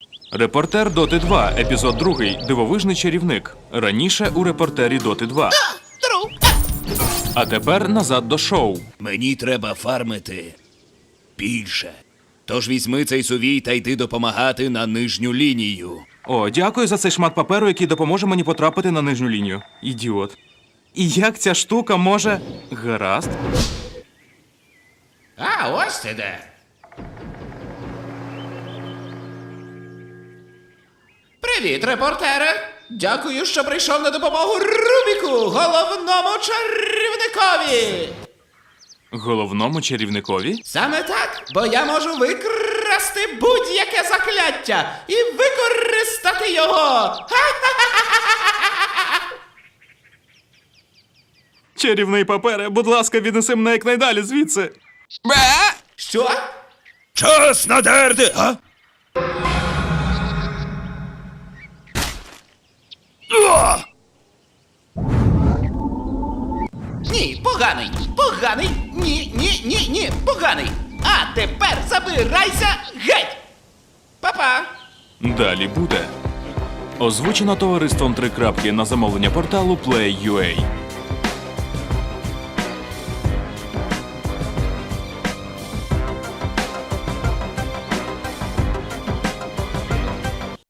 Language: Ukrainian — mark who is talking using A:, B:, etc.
A: Репортер Доти 2, епізод 2. Дивовижний чарівник. Раніше у репортері Доти 2. А тепер назад до шоу.
B: Мені треба фармити більше. Тож візьми цей сувій та йди допомагати на нижню лінію.
A: О, дякую за цей шмат паперу, який допоможе мені потрапити на нижню лінію. Ідіот. І як ця штука може... Гаразд.
C: А, ось ти де. Привіт, репортере! Дякую, що прийшов на допомогу Рубіку, головному чарівникові!
A: Головному чарівникові?
C: Саме так, бо я можу викрасти будь-яке закляття і використати його!
A: Чарівний папере, будь ласка, віднеси мене якнайдалі звідси.
C: Що?
B: Час надерти, а?
C: Ні, поганий! Поганий! Ні, поганий! А тепер забирайся геть! Па-па!
A: Далі буде. Озвучено товариством 3 крапки на замовлення порталу Play.ua.